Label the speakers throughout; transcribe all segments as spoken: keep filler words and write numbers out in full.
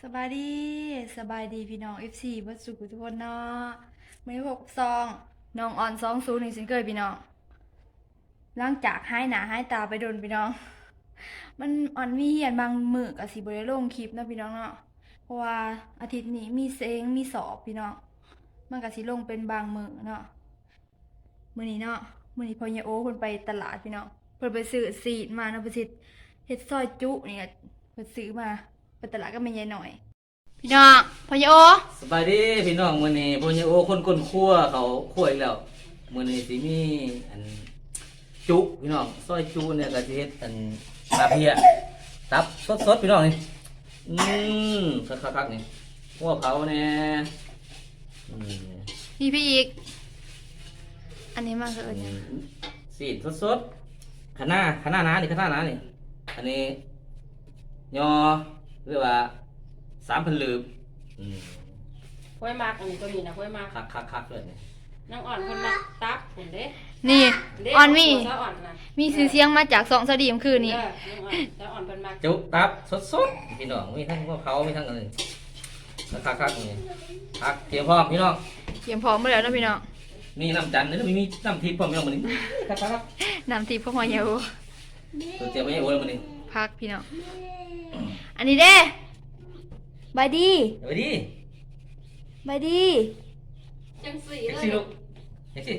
Speaker 1: สบายดีสบายดีพี่น้อง เอฟ ซี เบิดสุขทุกคนเนาะมื้อนี้พบกับซองน้องออนสองศูนย์หนึ่งเช่นเคยพี่น้องหลังจากหายหน้าหายตาไปโดนพี่น้องมันอ่อนมีเหียนบางมื้อก็สิบ่ได้ลงคลิปเนาะพี่น้องเนาะเพราะว่าอาทิตย์นี้มีเซงมีสอบพี่น้องมันก็สิลงเป็นบางมื้อเนาะมื้อนี้เนาะมื้อนี้พ่อใหญ่โอเพิ่นไปตลาดพี่น้องเพิ่นไปซื้อซีดมาเนาะเพิ่นสิเฮ็ดซอยจุนี่เพิ่นซื้อมาไปตลาดก็แม่ใหญ่หน่อยพี่น้องพ่อใหญ่โอ
Speaker 2: สบายดีพี่น้องมื้อนี้พ่อใหญ่โอคนก้นครัวเขาครัวอีกแล้วมื้อนี้สิมีอันจุพี่น้องซอยจุเนี่ยก็สิเฮ็ดอันปลาเพียตับสดๆพี่น้องนี่อืมคักๆๆนี่พวกเขาแน่อืม
Speaker 1: พี่พี่อีกอันนี้มากเลย
Speaker 2: สีดสดๆคะน้าคะน้าหนานี่คะน้าหนานี่อันนี้ยอเรียกว่าสามพันลืบอืม
Speaker 3: ห้วยมากอันนี้ก็มีนะห้วยมาก
Speaker 2: คักๆๆเลยนี่
Speaker 3: น้องอ่อนคนมาตับเห็นเด้
Speaker 1: นี่
Speaker 3: เด้
Speaker 1: ออนมี
Speaker 3: เจ้าอ่อนนะ
Speaker 1: มีซื้อเสียงมาจากสองสดีมคืนนี้
Speaker 3: เออน้องอ่อนเจ้าอ่อนเป็นมาก
Speaker 2: จุตับสดๆพี่น้องมีทั้งพวกเขามีทั้งอะไรคักๆนี่คักเตรียมพร้อมพี่น้อง
Speaker 1: เตรียมพร้อมมาแล้วนะพี่น้อง
Speaker 2: มีน้ำจันทร์นี่มีน้ำทิพย์พร้อมพี่น้องมื้อนี้คัก
Speaker 1: นำทีพวกพ่อใหญ่โอ
Speaker 2: ๆตัวเตรียมไว้ให้โอ้แล้วมื้อนี้
Speaker 1: พักพี่น้องอันนี้เด้บายดี
Speaker 2: เอาไปดิ
Speaker 1: บายดี
Speaker 3: จังสี
Speaker 2: เอ็ก
Speaker 3: เล
Speaker 2: ซี่
Speaker 3: ย
Speaker 2: ลูกเอ็กซี่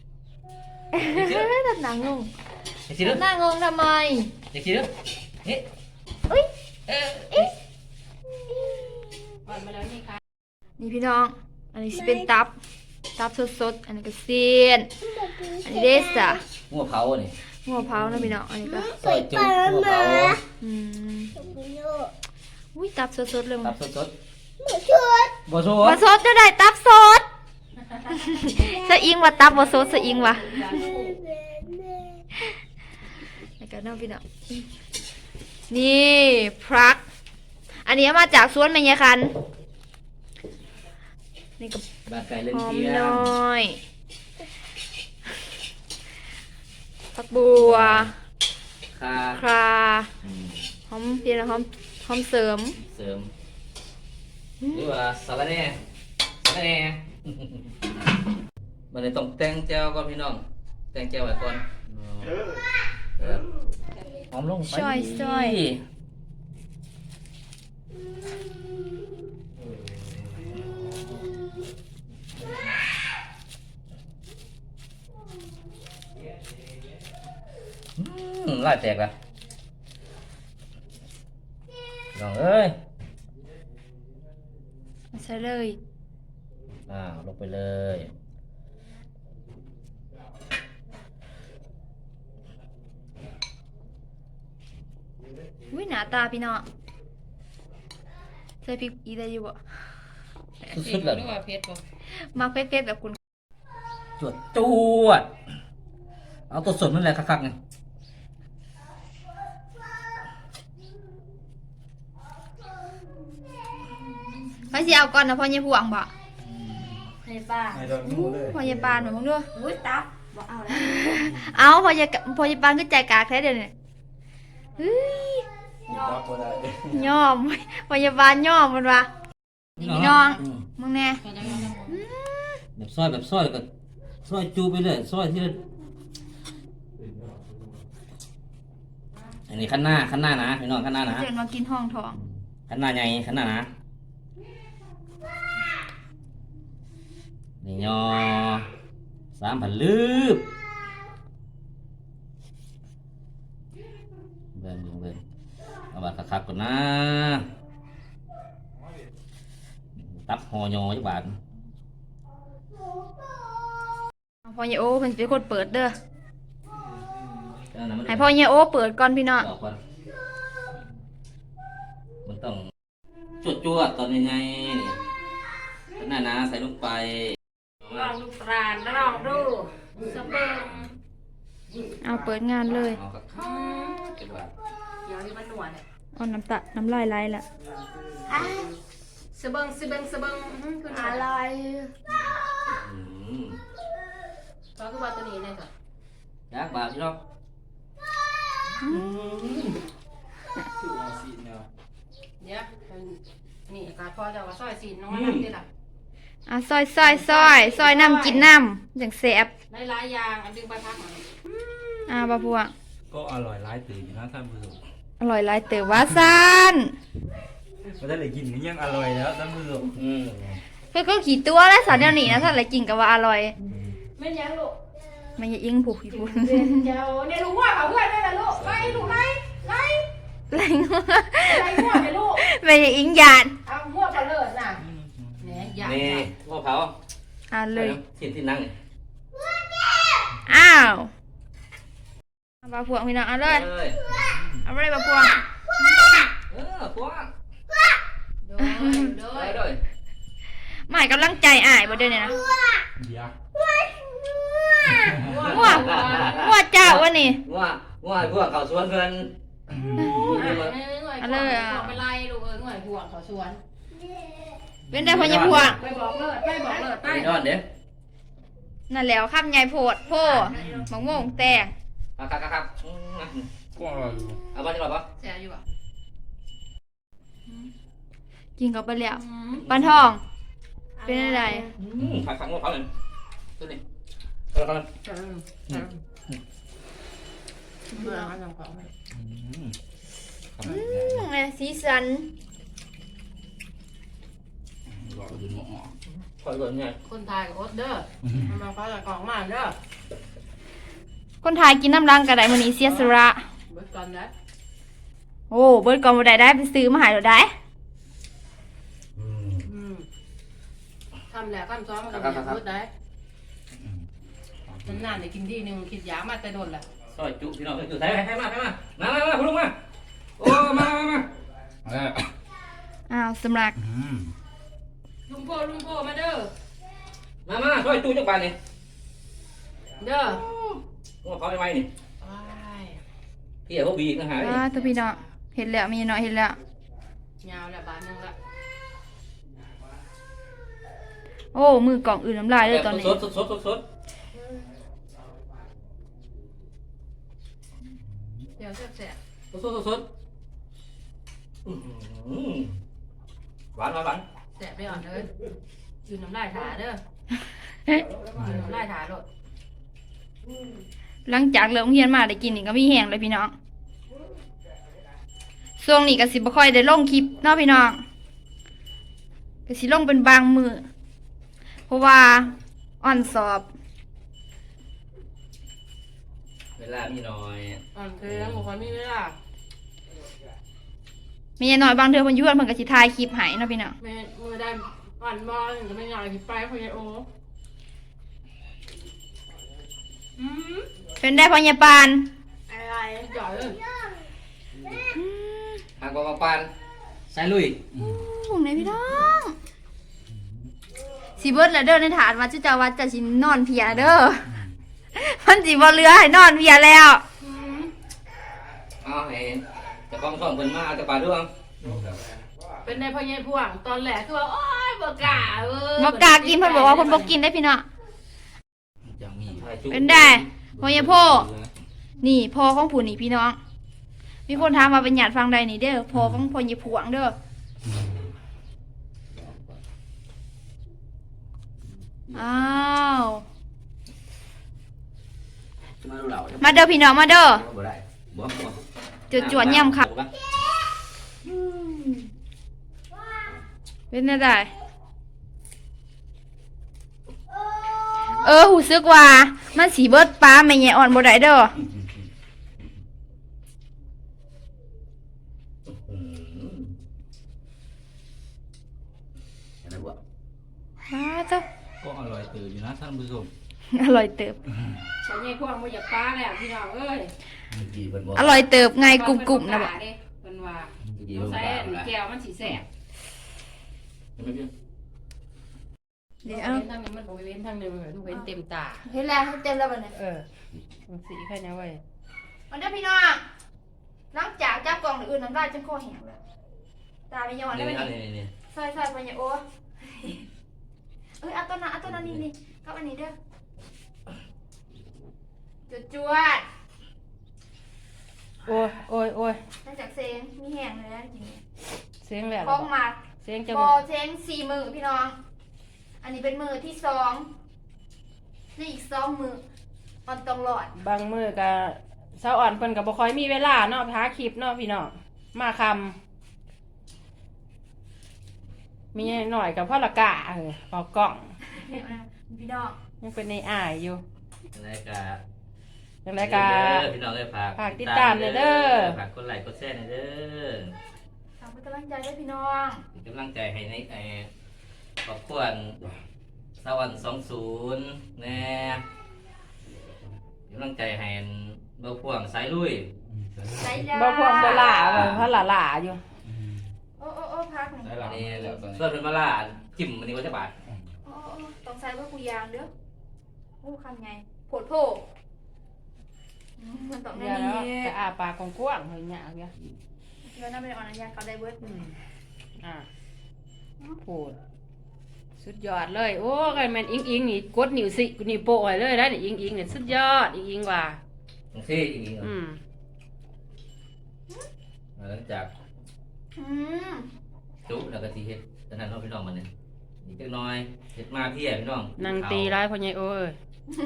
Speaker 1: ตัดหนังงง
Speaker 2: เอ็กซี่ลู
Speaker 1: ตั
Speaker 2: ก
Speaker 1: ดหน้างงทำไม
Speaker 2: เอ็กซี่ลูกนี่
Speaker 1: อุ้ย
Speaker 2: เออ
Speaker 3: อ่อนมาแล้วนี่ค่ะ
Speaker 1: นี่พี่น้อง อันนี้สิเป็นตับ ตับสดๆ อันนี้ก็เสียนอันนี้เด้สะ
Speaker 2: หัวเผานี่
Speaker 1: หัวเผานะพี่น้อง อันนี้ก็
Speaker 2: ซอยจุหัวเผา
Speaker 1: อืมอุ้ยตับสดๆเลย
Speaker 2: ตับสดๆบ่ส
Speaker 1: บ่
Speaker 2: ด
Speaker 1: สดจะได้ตับสด สะอิงว่าตับบ่สดสะอิงว่ะแล้วก็น้องพี่น้องนี่พรัก อันนี้มาจากสวนแม่ยายคันนี่ก็
Speaker 2: บาไก่เล่น
Speaker 1: หอม
Speaker 2: เทีย
Speaker 1: น้
Speaker 2: ม
Speaker 1: อยผักบัว
Speaker 2: คา
Speaker 1: ครา
Speaker 2: อืม
Speaker 1: หอมเพียรหอมหอมเสริม
Speaker 2: เสริมหรือว่าสาระแหน่สาระแหน่ มันเลยต้องแต่งแจวก่อนพี่น้อง แต่งแจวไว้ก่อนเออหอมลงไป
Speaker 1: ช่อยช่อย
Speaker 2: อืมลายแตกละน้องเอ้ย
Speaker 1: ใช่เลย
Speaker 2: อ่าลงไปเลย
Speaker 1: อุ้ยหน้าตาพี่น้องใส่พริกอีได้อยู่บ่
Speaker 2: สุดๆเลย
Speaker 3: หรือว่าเพชรบ่
Speaker 1: มักเผ็ดๆแบบคุณ
Speaker 2: จวดจวดเอาตัวสดนั่นแหละคักๆไง
Speaker 1: ไปสิเอาก่อนนะพ่อใหญ่พวงบ่
Speaker 3: ให้ป้า
Speaker 4: ไม่โดนงูเลย
Speaker 1: พ่อใหญ่ปานหนูมึงดู
Speaker 3: อุ้ยตับบ่เอาแล้ว
Speaker 1: เอาพ่อใหญ่พ่อใหญ่ปานคือใจกากแท้เดี๋ยวนี้เฮ้ย
Speaker 4: รับบ่ได้
Speaker 1: ย่อมพ่อใหญ่ปานย่อมมันว่ะนี่พี่น้อง
Speaker 2: อืม
Speaker 1: มึงแน่
Speaker 3: ก็จะเอาแล้วบ่
Speaker 2: แบบซอยแบบซอยก็ซอยจูไปเลยซอยที่อันนี้ขั้นหน้าขั้นหน้านะพี่น้องขั้นหน้านะ
Speaker 1: เดินมากินห้องทอง
Speaker 2: ขั้นหน้าใหญ่ขั้นหน้านะนี่ยอสามพันลืบเบิ่งเบิ่งเบิ่งเอาบาดคักๆก่อนนะตับหอยอจักบาท
Speaker 1: พ่อใหญ่โอเพิ่นสิเป็นคนเปิดเด้อ
Speaker 2: อันนั้นมัน
Speaker 1: ให้พ่อใหญ่โอเปิดก่อนพี่น้อง
Speaker 2: ออกก่อนมันต้องจวดจวดๆตอนยังไงนี่ขั้นหน้านะใส่ลงไป
Speaker 3: ลองดูปลาลองดูสะเบิง
Speaker 1: เอาเปิดงานเลย
Speaker 2: เอาครับจักบาท
Speaker 3: เดี๋ยวนี้มันหนวดเนี่ย
Speaker 1: เอาน้ำตาน้ำลายไหลละ
Speaker 3: สะเบิงสะเบิงสะเบิงอื้อคืออะไร
Speaker 2: อืม
Speaker 3: ก็คือว่าตัวนี้เลยค่ะ
Speaker 2: ยักบาทพี่น้อง
Speaker 4: คือว่าสิเนาะ
Speaker 3: เดี๋ยวมันนี่กาพอจะว่าซอยสีน้องนั่นนี่ล่ะ
Speaker 1: อ่ะซอยซอยซอยซอยน้ำกินน้ำอย่างแซ่บ
Speaker 3: ได้หลายอย่างอันดึงไปพักมา
Speaker 1: อ่าบ่พวง
Speaker 4: ก็อร่อยร้ายตื่นอยู่นะท่านผู้ชม
Speaker 1: อร่อยหลายเต๋อว่าซ่าน
Speaker 4: ไม่ได้เลยกินก็ยังอร่อยแล้วท่านผู้ชม
Speaker 2: อืม
Speaker 1: เพิ่นก็ขี่ตัวแล้วสารเดี๋ยวนี้นะถ้าอะไรกินก็ว่าอร่อย
Speaker 3: ไม่ยังลูก
Speaker 1: มันอย่าอิงผูกพี่พูน
Speaker 3: เจ้าเนี่ยลูกว่าเขาเพื่อนได้ละลูกไล่ลูกไล่ไล่
Speaker 1: ไรงัว
Speaker 3: ไล่หัวเลยลูก
Speaker 1: มันอย่าอิงหยาด
Speaker 3: เอาหัวไปเลิศน่ะเนี่ยอยาก
Speaker 2: นี่พ่อเผา
Speaker 1: อ่าเลย
Speaker 2: ที่ที่นั่งนี่
Speaker 1: อ้าวเอาบ่พวงพี่น้องเอาเลย
Speaker 2: เอ้ย
Speaker 1: เอาไปเลยบ่พวง
Speaker 2: เออพวก
Speaker 3: โดยโด
Speaker 2: ไป
Speaker 3: ย
Speaker 2: ด้วย
Speaker 1: หมายกำลังใจอ้ายบ่เด้อเนี่ยนะ
Speaker 4: เดี๋ยว
Speaker 1: งัวงัวเจ้าวะนี่
Speaker 2: ว่าว่าพวกเขาสวนเพิ่น
Speaker 3: เอาเลยอ่ะไปไล่ลูกเอ้ยหน่วยห่วงเขาชวน
Speaker 1: เป็นได้พ่อใหญ่พวง
Speaker 3: ไปบอกเลิศไปบอกเลิศไป
Speaker 2: ไปนอนเด้อ
Speaker 1: นั่นแล้วคำใหญ่โพดโพมะม่วงแตง
Speaker 2: ครับครับครับอืม
Speaker 4: ก็อร่อยอยู่
Speaker 2: เอาบ้านที่เราปะ
Speaker 3: แซ่อยู่อ่ะ
Speaker 1: กินกับไปแล้วปานทอง เป็นอะไร
Speaker 2: อืมผักผักงวเผาเลยตัวนี้เอาละครับ
Speaker 3: เบื่อมันของ
Speaker 4: อืมขนาด
Speaker 1: อื
Speaker 4: ใหญ่
Speaker 1: มเนี่ยสีสัน
Speaker 4: รออยู่หม้อ
Speaker 2: คอยก่อนไง
Speaker 3: คนไทยกับอดเด้อมันมาฟ้าจากกล่องมาเด้อ
Speaker 1: คนไทยกินน้ำรังกระไดมื้อนี้เสียสระ
Speaker 3: เบิดก่อนนะ
Speaker 1: โอ้เบิดก่อนบ่ได้ได้ไปซื้อมาให้เราได้
Speaker 2: อืม
Speaker 3: อืมทำแล้วขั้นซ้อมมันก็จะพูดได้
Speaker 4: อืม
Speaker 3: มันนานได้กินดีนึงคิดยามาแต่โดนแหละ
Speaker 2: ซอยจุพี่น้องซอยจุใส่ไปให้มาให้มามามามาคุณลุงมาโอ้มามามา
Speaker 4: เอาแล้ว
Speaker 1: อ้าวสำลัก
Speaker 4: อืม
Speaker 3: ลุงโพลุงโพมาเด้อ
Speaker 2: มามาซอยจุจักบานนี่
Speaker 3: เด้อง
Speaker 2: วเผาไปไหมนี่
Speaker 3: ว้าย
Speaker 2: พี่เอาพวกบีอีกนะฮะ
Speaker 1: อ่าตัวพี่น้องเห็นแล้วมีน้อยเห็นแล้ว
Speaker 3: ยาวแล้วบาทนึงละ
Speaker 1: โอ้มือกล่องอื่นน้ำลายเลยตอนนี้
Speaker 2: สดสดสดสดสด
Speaker 3: เดี๋ยวแซ่บ
Speaker 2: สดสดสดอื้อหือหวานหวานหวาน
Speaker 3: ๆแซ่บไปอ่อนเลยยืนน้ำลายถาเด้อยืนน้ำลายถาโลด
Speaker 1: หลังจากเลิกโรงเรียนมาได้กินนี่ก็มีแห้งเลยพี่น้องช่วงนี้ก็สิบ่ค่อยได้ลงคลิปเนาะพี่น้องก็สิลงเป็นบางมือเพราะว่าอ่อนสอบ
Speaker 2: เวลามีน้อย
Speaker 3: อ่อนเพลียงบุคคลมีเวลา
Speaker 1: มีน้อยบางเทื่อเพิ่นอยู่เพิ่นเพิ่นก็สิถ่ายคลิปให้เนาะพี่น้อง
Speaker 3: แม่มือได้อ่อนบอลจะไม่อยากกินไปพยาโออืม
Speaker 1: เป็นได้พ่อใหญ่ปาน
Speaker 3: อะไรจ่อยเลย
Speaker 1: อืม
Speaker 2: หากว่าปานใส่ลุย
Speaker 1: ห่วงไหนพี่น้องสิเบิดแล้วเด้อในฐานว่าจุเจ้าว่าจะสินอนเพียเด้อมันสิบ่เหลือให้นอนเพียแล้ว
Speaker 3: อืม
Speaker 2: เอาให้เจะกองช่องเพิ่นมาเอาจะปลาด้วย
Speaker 3: เป็นในพญายพวงตอนแรกคือว่าโอ๊ยบ่กล้าเออ
Speaker 1: บ่กล้ากินเพิ่นบอกว่าเพิ่นบ่กินได้พี่น้อง
Speaker 4: ยังมี
Speaker 1: เป็นได้พ่อใหญ่พ่อนี่พ่อของผู้นี่พี่น้อง มีคนถามว่าเป็นญาติฟังใดนี่เด้อพ่อของพ่อใหญ่พวงเด้ออ้าว
Speaker 2: มาดูเหล่า
Speaker 1: มาเด้อพี่น้องมาเด้อ
Speaker 2: บ่ได้บ่บ่
Speaker 1: จวดจวดย่ำค่ะเป็นได้เออหูซึกว่ามันสีเบิดปลาไม่แย่อ่อนบ่ได้เด้อ
Speaker 2: อืมอะไรบ่
Speaker 1: อ้าเจ้า
Speaker 4: ก็อร่อยตื่นอยู่นะท่านผู้ชม
Speaker 1: อร่อยเติบ
Speaker 3: พญายพวงบ่อยากปลาแล้วพี่น้องเอ้ย
Speaker 2: เมื่อกี้เพิ่นบ่
Speaker 1: อร่อยเติบไงกรุบๆนะบ่
Speaker 3: เพิ่นว่า
Speaker 2: เมื่อกี้
Speaker 3: ต้อ
Speaker 2: เพิ่
Speaker 3: ง
Speaker 2: น
Speaker 3: ใส่
Speaker 2: บ่
Speaker 3: แก้วมันสิแซ่บ
Speaker 2: ไม่เพียง
Speaker 1: เดี๋ยว
Speaker 3: เว้นทางนี้มันบ่เว้นทางนึงทุกเว้นเต็มตา
Speaker 1: เห็นแล้วเต็มแล้วบัดนี้
Speaker 3: เออมันสีแค่นี้เว้ย
Speaker 1: มันเด้อพี่น้องหลังจากจับกล่องอื่นน้ำลายจนคอแห้งแล้วตาไม่ย้อนได้
Speaker 2: นี่
Speaker 1: บัด
Speaker 2: นี่
Speaker 1: นี้
Speaker 2: นี่นี่
Speaker 1: ใส่ๆไปอย่าโอ้เอ้ยเอาตัวนั้นเอาตัวนั้นนี่นี่กับอันนี้เด้อจวดจวด
Speaker 3: โอ้ยโอ้ยโอ้ย
Speaker 1: หลังจากเซงมีแห้งเลยนะกิน
Speaker 3: เสียงแล้ว
Speaker 1: คล้องมา
Speaker 3: เสีสียงจะ
Speaker 1: บอเทงสี่มือพี่น้อง อันนี้เป็นมือที่สองนี่อีกสองมือมันต้องหลอด
Speaker 3: บางมือก็เช้าอ่อนเพิ่นก็บ่ค่อยมีเวลาเนาะหาคลิปเนาะพี่น้องมาคำมีหน่อยกับพ่อละกะเออออกกล้อง
Speaker 1: พี่น้อง
Speaker 3: ยังเป็นในอายอยู่
Speaker 2: รายการ
Speaker 3: อย่างไรก็
Speaker 2: พี่น้องเลยฝาก
Speaker 3: ฝากติดตามหน่อยเด้อ
Speaker 2: ฝากกดไลค์กดแชร์หน่อยเด้อ
Speaker 1: ฝากเป็นกำลังใจด้วยพี่น้อง
Speaker 2: เป็นกำลังใจให้ในไอ้ครอบครัวสวรรค์สองศูนย์แน่เป็นกำลังใจให้เบาพ่วงสายลุย
Speaker 1: ใจยา
Speaker 3: บ่พวกบ่หล่าบ่พ่อหล่าหล่าอยู่
Speaker 1: โอ้โอ้โอ้พักหนึ่ง
Speaker 4: ได้หลั
Speaker 2: อั
Speaker 4: ง
Speaker 2: นนี้
Speaker 4: แล้วตอน
Speaker 2: ส่วนเป็นมาล่าจิ้มอันนี้ก็จะบาท
Speaker 1: โอ้โอ้โอ้ต้องใส่ว่ากูยางเด้อโอ้คำไงโผดโผอืมมันต้อง
Speaker 3: เดี๋
Speaker 1: แน่
Speaker 3: ยว
Speaker 1: นี่
Speaker 3: เนาะจะอาปากกว้างๆเฮ้ยหยาเงี้ย
Speaker 1: เดี๋ยวน่าเป็นอ่อนอันยาเขาได้เบิร์ด
Speaker 3: อืมอ่ะพูดสุดยอดเลยโอ้ยแม่นอิงอิงนี่กดนิ้วสินิ้วโป้ให้เลยได้นี่อิงอิงนี่สุดยอดอิงอิงว่า
Speaker 2: ตรงที่อีก
Speaker 3: อืม
Speaker 2: หลังจาก
Speaker 1: อืม
Speaker 2: จุแล้วก็ทีเฮ็ดตอนนั้นเราพี่น้องมันเนี่ยอีกจักหน้อยเฮ็ดมาพี่พี่น้อง
Speaker 3: นางตีร้ายพ่อใหญ่โอ้ย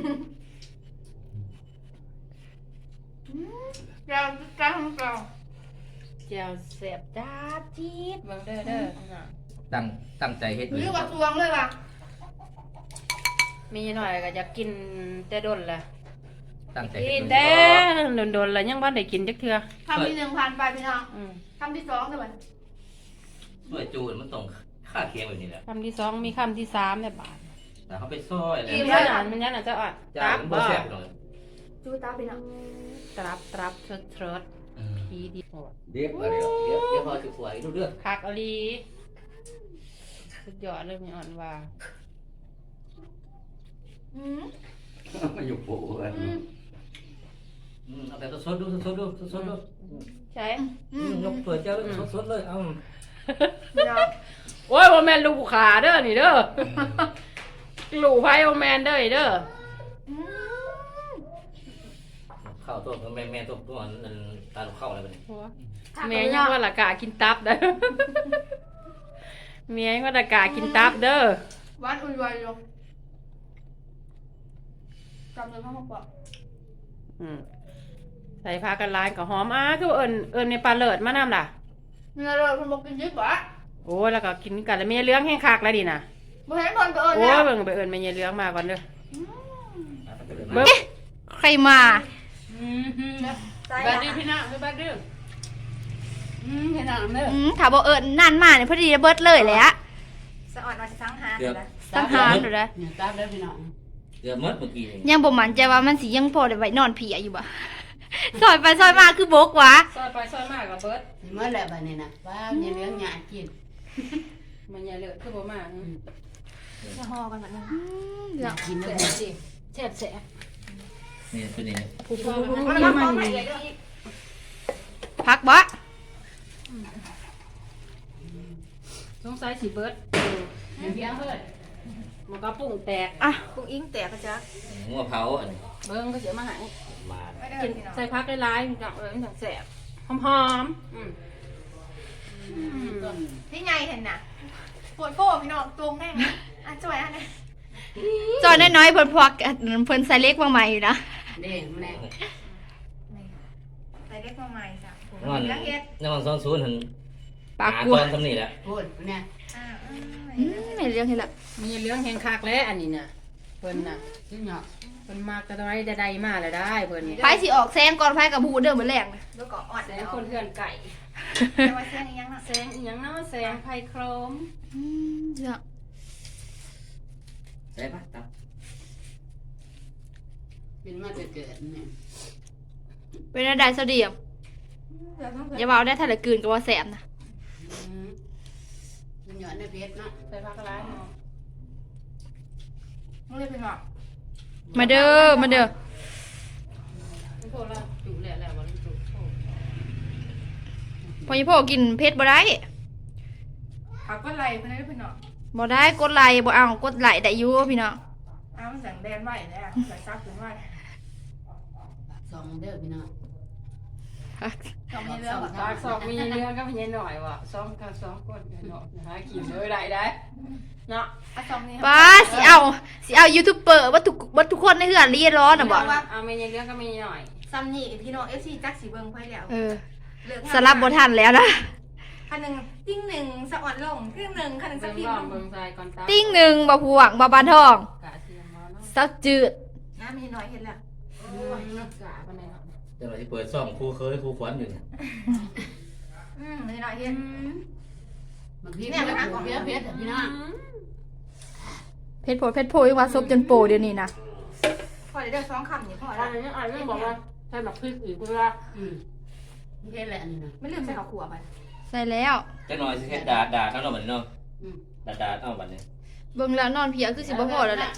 Speaker 1: เจ้าเจ้าของเรา
Speaker 3: เจียวแซ่บจ้าจี๊ดเบิ่งเด้อเด้อน่ะ
Speaker 2: ตั้งตั้งใจเฮ็ด
Speaker 1: หรือว่าตวงเลยว่ะ
Speaker 3: มีหน่อยก็อยากกินแต่ดนแหละ
Speaker 2: ตั้งใจ
Speaker 3: กิ
Speaker 2: เฮ็
Speaker 3: น
Speaker 2: ด
Speaker 3: แต่โดนๆแล้วยังบ่ได้กินจักเทื่อ
Speaker 1: คำที่หนึ่งผ่านไปพี่น้อง
Speaker 3: อืม
Speaker 1: คำที่สองเดี๋ยวมัน
Speaker 2: ด้วยจูนมันต้องค่าเคียงแบบนี้แหละ
Speaker 3: คำที่สองมีคำที่สามแม่บาท
Speaker 2: แต่เขาไปซอยแล้ว
Speaker 3: มันยันอ่านมันยันอ่านจะอ่าน
Speaker 2: จ้า
Speaker 3: ตับ
Speaker 2: มันบ่
Speaker 3: บ่
Speaker 2: แซ่บหน่อย
Speaker 1: จูตาพี่น้อง
Speaker 3: ตรับตรับเทิดเทิดพีดีโหด
Speaker 2: เดี๋ยวเดี๋ยวเดี๋ยวเดี๋ยวพอสิสวยดูเรื่อง
Speaker 3: คักอลีสุดยอดเลยมีอ่อนว่า
Speaker 1: อืม
Speaker 4: มาอยู่โป๊ะ
Speaker 1: อืม
Speaker 2: อืมเอาแบบสดๆดูสดๆดูสดๆดู
Speaker 3: ใช่
Speaker 1: อื
Speaker 2: อื
Speaker 1: ม
Speaker 2: มยกเปิดเจ้าเลยสดๆเลยเอ้า
Speaker 1: พี่น้อง
Speaker 3: โอ้ยบ่แม่นลูกขาเด้อนี่เด้อ ลูกไผบ่แม่นเด้อเด้อ
Speaker 1: อืม
Speaker 2: ข้าวต้มแม่แม่ต้มตัวนั้นตาลูกเข้าอะไรแบบนี้
Speaker 3: แม่ยังว่าละกากินตับเด้อ แม่ยังว่าละกากินตับเด้อ
Speaker 1: หวานอุ่นไวลงจำเลยพ่อมาบอก
Speaker 3: อืมใส่ผ้ากันลายกับหอมอ้าคือเอิญเอิญในปลาเลิศมานำล่ะ
Speaker 1: เนื้อเราคนบอกกินยึดบ่
Speaker 3: โอ้ยแล้วก็กินกันแล้วเมียเลี้ยงแห้งคักแล้วดิน่ะ
Speaker 1: บ่เห็นคนก็เอิญ
Speaker 3: โอ้
Speaker 1: แล้
Speaker 3: ยว เบิ่งไปเอิญเมียเลี้ยงมาก่อนเด้อ
Speaker 2: เบิ้ง
Speaker 1: ใครมา
Speaker 3: อืมฮึ
Speaker 1: ใส่
Speaker 3: บัด
Speaker 1: ละ
Speaker 3: ดื้อพี่น้องคือบัดดื้ออืมพี่น้องเด้อ
Speaker 1: อืมถ้าบ่เอิญนั่นมาเนี่ยพอดีเบิดเลยแหละสะอ่อนว่าสิสังหารอยู่นะสังหารอยู่นะ
Speaker 3: เนี่ยตับเด้อพี่น้อง
Speaker 2: เดือดมดเมื่อกี้นี่
Speaker 1: ยังบ่มั่นใจว่ามันสิยังพอได้ไว้นอนเผียอยู่บ่ ซอยไปซอยมาคือบกหวะ
Speaker 3: ซอยไปซอยมากับเบิด
Speaker 5: เมื่อไรบ้านี้นะว่ามีเรื่องหยาดกิน
Speaker 3: มันอย่าเลิศคือบ่มาอืม
Speaker 1: จะห่อกันแบบนั้น
Speaker 5: กินแล้ว
Speaker 3: แซ่บสิแซ่บแซ่บ
Speaker 2: นี่ตัวนี้
Speaker 3: ผู้พ่อ
Speaker 1: เอา
Speaker 3: มัน
Speaker 1: ละ
Speaker 3: มั
Speaker 1: มาน ขอ
Speaker 3: มัน
Speaker 1: ใหม่เลยอีกพักบ่
Speaker 3: สงสัยสิเบิดเออเดี๋ยวเพียงเฮ้ยมันก็ปุ้งแตก
Speaker 1: อ่ะกุ้งอิงแตกกระจัก
Speaker 2: งัวเผาอันนี้
Speaker 3: เบิ่งก็เสียมาใหาย
Speaker 2: มา
Speaker 3: กินใส่พักได้หลายๆพี่น้องเอ้ยมันจังแซ่บหอมๆอืมอืม
Speaker 1: พี่ใหญ่เห็นน่ะปวดโป้พี่น้องตรงแน่นะอ่ะจ่อยอันนี้จอยน้อยๆเพิ่นพวกเพิ่นใส่เล็กมาใหม่อยู่นะ
Speaker 5: เด้มันแน่
Speaker 1: ใส่เล็กมาใหม่จ้ะ
Speaker 2: นอน
Speaker 1: แล้วเฮ็ด
Speaker 2: นอนซ้อนศูนย์หัน
Speaker 1: ปาก
Speaker 2: หาก
Speaker 1: ลัว
Speaker 2: ตอนทำนี่แหละ
Speaker 5: พูดเนี่ย
Speaker 1: อ่าอืมไม่เรื่องให้ละ
Speaker 3: มีเรื่องแหงคักแล้วอันนี้น่ะเพิ่นน่ะ
Speaker 5: ชิ้นหยอก
Speaker 3: เพิ่นมากระไดใดๆมาแล้วได้เพิ่นนี่
Speaker 1: ไผสิออกแซงก่อนไผกับบูเด้อมื้อแรกนะแล้วก็อ่อน
Speaker 3: แส
Speaker 1: แล้
Speaker 3: ง
Speaker 1: ว
Speaker 3: คนเพื่อนไก่
Speaker 1: แต่ว่าแซงอีหยังน่ะ
Speaker 3: แสงอีหยังเนาะแสงไฟโครม
Speaker 1: อืมเดี๋ยว
Speaker 2: ใช่ปะตับ
Speaker 5: เป็นมาจะเกิดเนี่ย
Speaker 1: เป็นอะไรเสดียมอย่าเว้าได้ถ้าละกลืนก็ว่าแสบนะ
Speaker 5: ชิ้นหยอดในเพชรเนาะ
Speaker 3: ใส่ผักกะลาเนาะ
Speaker 1: มึงเรียกเป็นหรอมาเด้อมาเด้อ
Speaker 3: มันโทษแล้วจุแล้วแล้วบ่ได้จุโทษ
Speaker 1: พอยี่พ่อกินเผ็ดบ่ได้ผักก็ไหลไปเลยพี่น้องบ่ได้กดไหลบ่เอากดไหลได้อยู่พี่น้องเอามันสั่งแบนไว้แล้วใส่ซับถึงไว้
Speaker 5: ปากซองเด้อพี่น้อง
Speaker 1: สองในเรื่องแบบ
Speaker 3: ปากสองมีเนื้อก็มีหน่อยว่ะสองกับสองคนเนาะหากินเลยได้ได้เนาะ
Speaker 1: อ่ะสองนี่
Speaker 6: ป้าสิเอาสิเอายูทูบเบอร์ว่าทุกว่าทุกคนในเฮือนเรียนร้อนอ่ะบ่
Speaker 3: เอามีเนื้อก็มีหน่อย
Speaker 1: ซัมนี่พี่น้องเอฟซีจักสีเบิงไพ่แล้ว
Speaker 6: เออ
Speaker 1: เลือก
Speaker 6: สลับบ่ทันแล้วนะ
Speaker 1: คันหนึ่งติ้งหนึ่งสะอ่อนลงครึ่งหนึ่งคันหนึ่งสั
Speaker 3: เบิ่
Speaker 1: ก
Speaker 3: ง
Speaker 1: ที
Speaker 3: ลองเบิ่งใจก่อนตา
Speaker 6: ติ้งหนึ่งบ่พวงบ่บานทอง
Speaker 3: กะเทียมมาเนาะ
Speaker 6: ซับจืด
Speaker 1: น้ำมีน้อยเห็นแล้ว
Speaker 3: โอ้ยกะปานใดเนาะ
Speaker 2: เดี๋ยวเราจะเปิดซ่องครูเคยครูขวัญอยู่เนี่ย
Speaker 1: อืมมีน้อยเห็น
Speaker 5: บางทีเนี่ยมันอ่ะเพี้ยเพี้ยพี่น้อง
Speaker 6: เพชรโพเพชรโพยังว่าซบจนโปเดี๋ยวนี้นะ
Speaker 1: พอได้เด้อสองคำนี่พอ
Speaker 3: อั
Speaker 1: แล้ว
Speaker 3: นนี้อันนี้บอกว่าใส่แบบพริกอีกเวลา
Speaker 5: อืมเพี้ยแหละอันนี้นะ
Speaker 1: ไม่ลืมใส่ข้าวขัวไป
Speaker 6: ใส่แล้ว
Speaker 2: จักหน่อยสิเฮ็ดดาดดาดเอาเนาะบัดนี้เนาะ
Speaker 5: อืม
Speaker 2: ดาดดาดเอาบัดนี้
Speaker 6: เบิ่งแล้วนอนเพลียคือสิบ่พอแล้วแหละ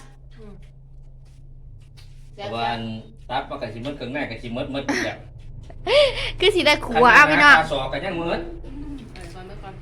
Speaker 2: เพราะว่าอันตับมันก็สิหมดเครื่องในก็สิหมดหมดอยู่แล้ว
Speaker 6: คือสิได้ขัวเอาพี่น้อง
Speaker 2: ค่าสอบก็ยังหมด
Speaker 3: ไปก่อนไปก่อน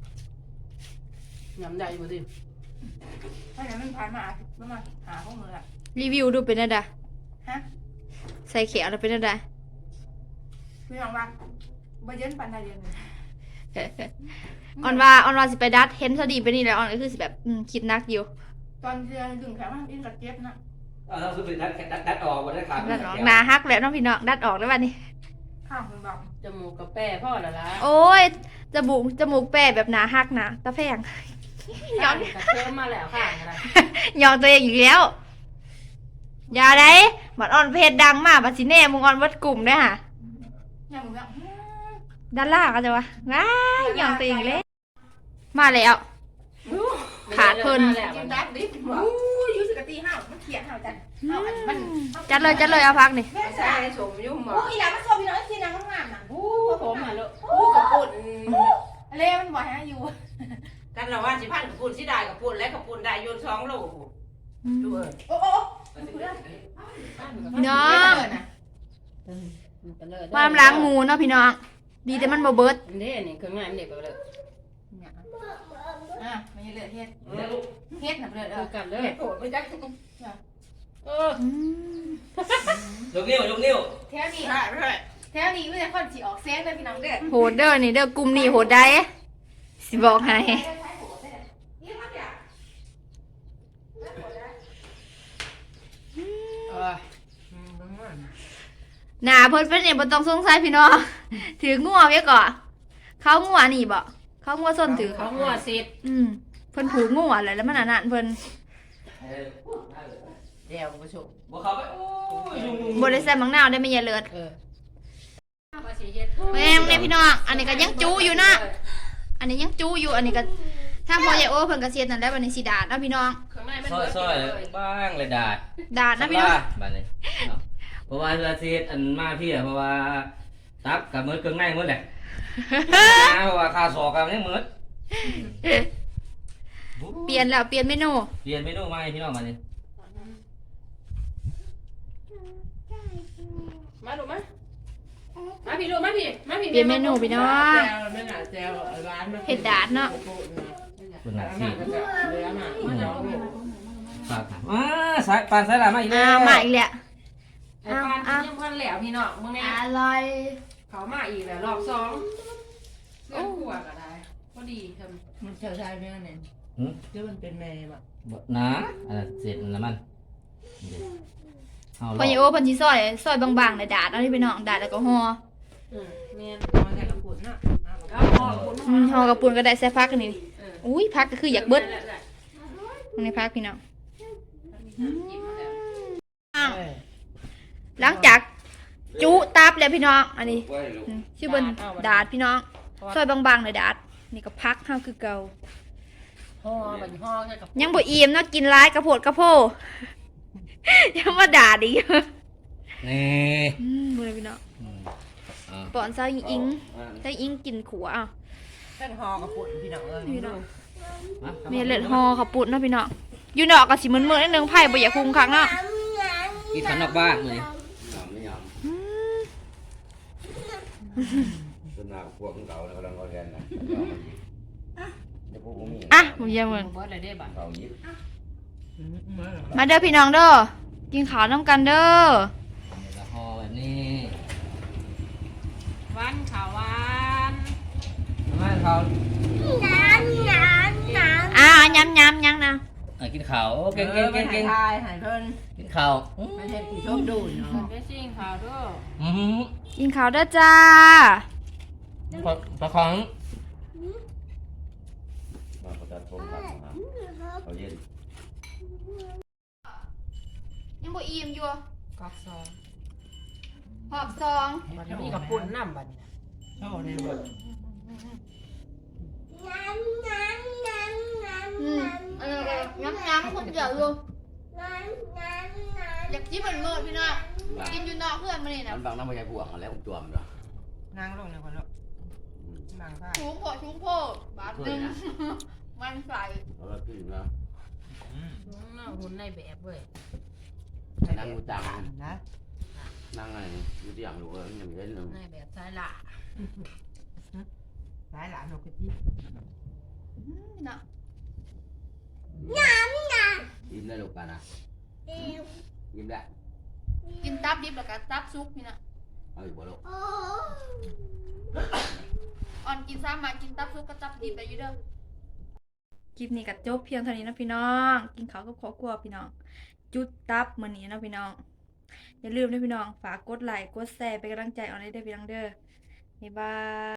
Speaker 3: ยำใหญ่บ่สิ
Speaker 1: เพราะฉะนั้นมันผ่านมาประมาณหาข้อมือละ
Speaker 6: รีวิวดูเป็นอะไร
Speaker 1: ฮะ
Speaker 6: ใส่เขียวแล้วเป็นอะไร
Speaker 1: พี่น้องว่าบ่เย็นปันใดเดือนหนึ่ง
Speaker 6: ออนว่าออนว่าสิไปดัดเห็นซะดีไปนี่แหล้วออนก็คือสิแบบอืมคิดหนักอยู่
Speaker 1: ตอนเดือนดึงแขนมันอินกับเจ็บนะ
Speaker 2: เอาเราคือไปดัดดัดดัดออกบ่ได้ขาด
Speaker 6: ดัดออกหนาฮักแล้วเน้องพี่น้องดัดออกแล้วบัดนี้
Speaker 1: ข้างคุณบอก
Speaker 3: จมูกกับแป้พ่อละล่ะ
Speaker 6: โอ้ยจมูกจมูกแปะแบบหนาฮักนะตาแพง
Speaker 3: ย้อนกระเทียมมาแล้วค่ะอะไร
Speaker 6: ยองตัวเองอีกแล้ว อย่าได้บัดออนเพจดังมากบัดสิแน่มึงออนวัดกลุ่มได้อค่ะ
Speaker 1: เนี่ยมึงแบบ
Speaker 6: ด้านล่างก็จะว่าว้ายยองตัวเองเลยมาแล้ว ขาดเพิ่น
Speaker 1: กินดับดิบอกอู้ยูสกตีห้าวมันเขียนห้าวจัดห้าวอันมัน
Speaker 6: จัดเลยจัดเลยเอาพักนี่
Speaker 1: แม่ใส่สมยุ่งบอ
Speaker 3: อู้
Speaker 1: กอีหลามันโซพี่น้องที่นางงามน่ะอู้
Speaker 3: ผมอ่ะลูก
Speaker 1: อู้กับปุ่นอะไรมันบ่อยฮะอยู่
Speaker 5: กันเราว่าสิพันกับปุ่นสิได้กับปุ่นและกับปุ่นได้โยนสองโลดูเออ
Speaker 1: โอ้โอ้
Speaker 6: พี่น้องมาลำล้างหมูเนาะพี่น้องดีแต่มันบ่เบิด
Speaker 3: นี่นี่เครื่องงานเด็กไปเลย
Speaker 1: อ่ะมันยังเหลือเฮ็ดเฮ็ดน่ะเหลือเอ
Speaker 3: คือ
Speaker 1: อ
Speaker 3: กันเลย
Speaker 1: เฮ็ดโผล่ไปจัก
Speaker 3: เออ
Speaker 6: อืม
Speaker 2: ยกนิ้วยกนิ้ว
Speaker 1: แถวนี้แถวนี้ไม่ใช่คนสิออกเซนเลยพี่น้องเด้อ
Speaker 6: โหดเด้อนี่เด้อกลุ่มนี่โหดได้สิบอกให้หนาเพิ่นเป็นเนี่ยบ่ต้องสงสัยพี่น้อง ถืองัวไว้ก่อนเขางัวนี่บ่เขางัวส้นถือ
Speaker 3: เขาหัวสิทธิ์
Speaker 6: อืมเพิ่นผูกงัวอะไรแล้วมันอันนั้นเพิ่น
Speaker 5: เดี๋ยวผู้ชม
Speaker 2: บ่เข้าไปโอ้ยยุงยุง
Speaker 6: บ่ได้ใส่มังนาวได้ไม่ยายเลิศ
Speaker 3: เออว่าสิเฮ็ด
Speaker 6: แม่งเนี่ยพี่น้องอันนี้ก็ยังจูอยู่นะอันนี้ยังจูอยู่อันนี้ก็ถ้าพอยายโอเพิ่นก็เสียนั่นแหล้วบัดนี้สิดาดเนาะพี่น้อง
Speaker 3: ข้างในมัน
Speaker 2: ซอยซอยบ้างเลยดาด
Speaker 6: ดาดนะพี่น้อง
Speaker 2: บัดนี้เนาะเพราะว่าเวลาสิเฮ็ดอันมาพี่อะเพราะว่าตับกับมือเครื่องในหมดแหละนะเพราะว่าค่าสอบกับยังหมด
Speaker 6: เปลี่ยนแล้วเปลี่ยนเมนู
Speaker 2: เปลี่ยนเมนูใหม่พี่น้องบัดนี้
Speaker 3: มาลูกมามาพี่ลูกมาพี่มาพี่
Speaker 6: เปลี่ยนเมนูพี่น้อง
Speaker 5: แจวไม่หนาแจวร้านมัน
Speaker 6: เฮ็ดดาดเนาะ
Speaker 2: เพิ่นน่ะสิ
Speaker 3: เหลือมาพี่น้อง
Speaker 2: ฝากถามอ่าสายปานสายหลามาอีกแล้
Speaker 6: อ้าว วมาอีกแล้ว
Speaker 3: ไอ้ปานยังพันแล้วพี่น้องมึงเนี่ย
Speaker 6: อร่อย
Speaker 3: เขามาอีกแล้วรอบสองเพื่อนขวดก็ได้พอดีทำ
Speaker 5: มันเชื่อใจไหมเนี่ย
Speaker 2: หืม
Speaker 5: เดี๋ยวมันเป็นแม่แบบ
Speaker 2: บ่นะอันนั้นเสร็จแล้วมันเดี๋ยวเอา
Speaker 6: พอยายโอเพิ่นสิซอยซอยบางๆเลยดาดเอาที่พี่น้องดาดแล้วก็ห่อ
Speaker 3: อืมเมียน
Speaker 5: มาแต่กับปุ่นน่ะ
Speaker 3: เอาพอคุณ
Speaker 6: อืมห่อกับปูนก็ได้ใส่พักอันนี้
Speaker 3: เออ
Speaker 6: อุ้ยพักก็คืออยากเบิดตรงนี้พักพี่น้องอ้าวหลังจากจุตับแล้วพี่น้องอันนี้อืมชื่อเบิ่นดาดพี่น้องซอยบางๆเลยดาดนี่ก็พักเฮาคือเก่า
Speaker 3: ห่อบันห่อแค่กับ
Speaker 6: ยังบ่อิ่มเนาะกินหลายกระโพดกระโพ ยังมาด่าดิ
Speaker 2: นี่
Speaker 6: อืมบ่ได้พี่น้อง
Speaker 2: อืมอ่า
Speaker 6: ปอนเซาอิงอิงเซาอิงกินขัวอ่ะ
Speaker 5: แค่หอกับปุ่นพี่น้องเอ้ย
Speaker 6: พี่น้อง
Speaker 2: มา
Speaker 6: มีเลือดฮอขับปุ่นเนาะพี่น้องอยู่นอกก็สิมึนๆนิดนึงไผ่บ่อยากคุมคักเนาะ
Speaker 2: กินขันนอกบ้านเลย
Speaker 6: อืม
Speaker 7: สนาพวกของเก่าแล้วกำลังเอาแทนนะเดี๋ยวพวกผมมี
Speaker 6: อ่ะผมเยี่ยมมึง
Speaker 3: เบิร์ดอะไรได้บ้าง
Speaker 7: เก่ายิบ
Speaker 6: มาเด้อพี่น้องเด้อกินข้าวน้ำกันเด้อ
Speaker 2: ละห่อแบบนี้ข้าว
Speaker 6: อ่าย้ำย้ำยังนะ
Speaker 2: อ่ะกินข้าวโอ้เก่งเก่งเก่งเก่ง
Speaker 5: ทายหายเพิ่น
Speaker 2: กินข้าวอื้อ
Speaker 5: ไม่เห็นผู้ชมดูเนาะ
Speaker 3: ไปซิ่งข่าวด้วย
Speaker 2: อื้อหือ
Speaker 6: กินข้าวเด้อจ้า
Speaker 2: ปลาปลาของ
Speaker 7: มาประจันผมครับเขาเย็น
Speaker 6: ยังบ่อิ่มอยู่
Speaker 3: กอกซอง
Speaker 6: หอบซอง
Speaker 5: มันมีกับปุ่นน้ำบัดเนี่ยโอ้นี่เบิด
Speaker 6: อืมอันนี้ก็ย้ำย้ำคนเดียวอยู่อยากกินเหมือนเมื่อพี่น้องกินอยู่นอกเพื่อนมานี่นะ
Speaker 7: มันบางน้ำมันใหญ่บวกแล้วผมจวมเนาะ
Speaker 5: นางลงเลยคนละนางผ้า
Speaker 6: ชุงโผชุงโผบาทหนึงมันใส่
Speaker 7: แล้วก็ขึ้นนะ
Speaker 3: หุ่นในแบบเว้ย
Speaker 7: นั่งกูจัง
Speaker 5: นะ
Speaker 7: นั่งไงอยู่ที่อย่างลูกเออยังเล่นเลย
Speaker 3: ในแบบสายละ
Speaker 5: หลายหลานลูกกะทิ
Speaker 6: อืมเนาะ
Speaker 7: ยิ้มได้ลูกกันนะยิ้มได้
Speaker 6: กินตับดิบแล้วก็ตับซุกพี่นะ
Speaker 7: เอาอยู่บ่ลูก
Speaker 6: อ่อนกินซ้ำมากินตับซุกก็ตับดิบได้อยู่เด้อคลิปนี้ก็จบเพียงเท่านี้นะพี่น้อง กินข้าวกับครอบครัวพี่น้อง จุดตับมื้อนี้นะพี่น้อง อย่าลืมนะพี่น้องฝากกดไลค์กดแชร์เป็นกำลังใจเอาได้เด้อพี่น้องเด้อบ๊ายบาย